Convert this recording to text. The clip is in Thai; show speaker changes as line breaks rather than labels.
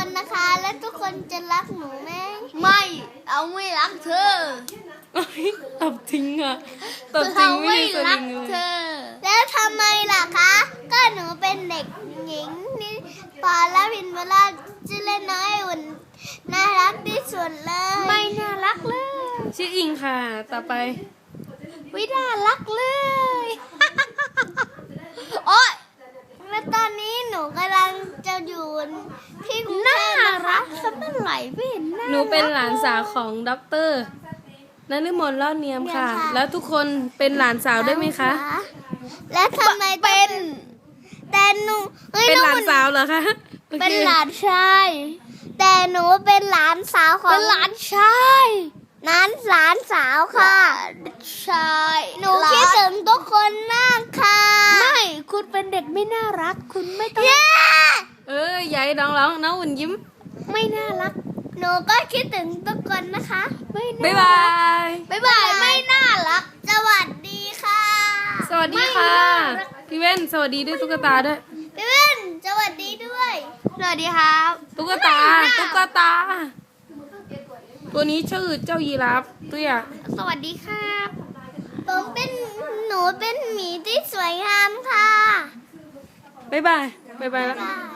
คนนะคะ และทุกคนจะรักหนูไหม
ไม่เอาไม่รักเธอ
ตบทิ้งอ่ะตบทิ้งไม่ได้ส
รั
ลิงเล
เธ
ย
อ
แล้วทำไมล่ะคะ ก็หนูเป็นเด็กหญิงนี่ปอและพินเวลาชื่อเล่นน้อยอุ่นน่ารักที่สุดเลย
ไม่น่ารักเลย
ชื่ออิงค่ะ ต่อไป
ไม่น่ารักเลย โอ๊ย
และตอนนี้หนูกำลังจะอยู่ที่กรุงเท
น่า
พนะคะ
รักสักเมื่อไหร่ไม่เห็นน่า
หนูเป็นหลานสาวของด็อกเตอร์นฤมลเล่าเนียมค่ะ แล้วทุกคนเป็นหลานสาวด้วยไหมคะ
และทำไมเป็น แต่หนูฮ้ย
เป็นหลาน
อง
สาวเหรอคะโอค
เป็นหลานชายแต่หนูเป็นหลานสาวของ
เป็นหลานชาย
นั้นหลานสาวค่ะ
ชาย
หนูคิดถึงทุกคนมากค่ะ
ไม่คุณเป็นเด็กไม่น่ารัก คุณไม่ต้อง
เย้
ยายร้องน้องอุ่นยิ้ม
ไม่น่ารัก
หนูก็คิดถึงทุกคนนะคะ
ไม่
บ๊าย
น่า
บาย
บ๊ายบายไม่น่ารัก
สวัสดีค่ะ
สวัสดีค่ะ พี่เว้นสวัสดีด้วยตุ๊กตาด้วย
พี่เว้นสวัสดีด้วย
สวัสดีครับ
ตุ๊กตา ตัวนี้ชื่อเจ้ายีราฟเตี้ย
สวัสดีครับ
หนูเป็นหมีที่สวยงามค่ะ
บ๊ายบาย บ๊ายบายแล้ว
บ๊ายบาย